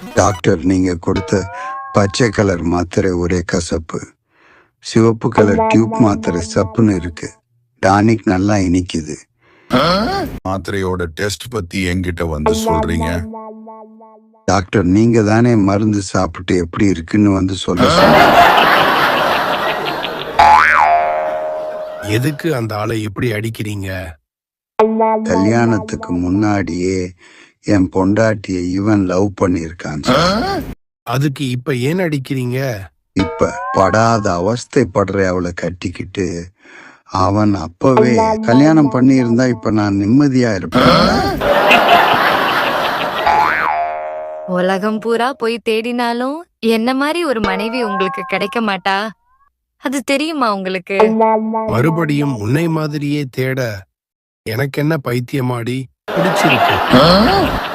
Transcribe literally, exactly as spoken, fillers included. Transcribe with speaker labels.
Speaker 1: Doctor, நீங்க கொடுத்த பச்சை கலர் மாத்திரை ஒரே கசப்பு, சிவப்பு கலர் டியூப் மாத்திரை சப்புன்னு இருக்கு, டானிக் நல்லா இனிக்குது.
Speaker 2: மாத்திரையோட டெஸ்ட் பத்தி என்கிட்ட வந்து சொல்றீங்க?
Speaker 1: டாக்டர், நீங்க தானே மருந்து சாப்பிட்டு எப்படி இருக்குன்னு வந்து சொல்ல சொன்னீங்க.
Speaker 3: எதுக்கு அந்த ஆளை இப்படி அடிக்கிறீங்க?
Speaker 1: கல்யாணத்துக்கு முன்னாடியே என் பொண்டாட்டிய இவன் லவ் பண்ணியிருக்கான் சார்.
Speaker 3: அதுக்கு இப்ப ஏன் அடிக்கிறீங்க?
Speaker 1: இப்ப படாத அவஸ்தைப்படுற அவளை கட்டிக்கிட்டு அவன் அப்பவே கல்யாணம் பண்ணி இருந்தா இப்ப நான் நிம்மதியா இருப்பேன்.
Speaker 4: உலகம் பூரா போய் தேடினாலும் என்ன மாதிரி ஒரு மனைவி உங்களுக்கு கிடைக்க மாட்டா, அது தெரியுமா உங்களுக்கு?
Speaker 3: மறுபடியும் உன்னை மாதிரியே தேட எனக்கு என்ன பைத்தியமாடி பிடிச்சிருக்கு.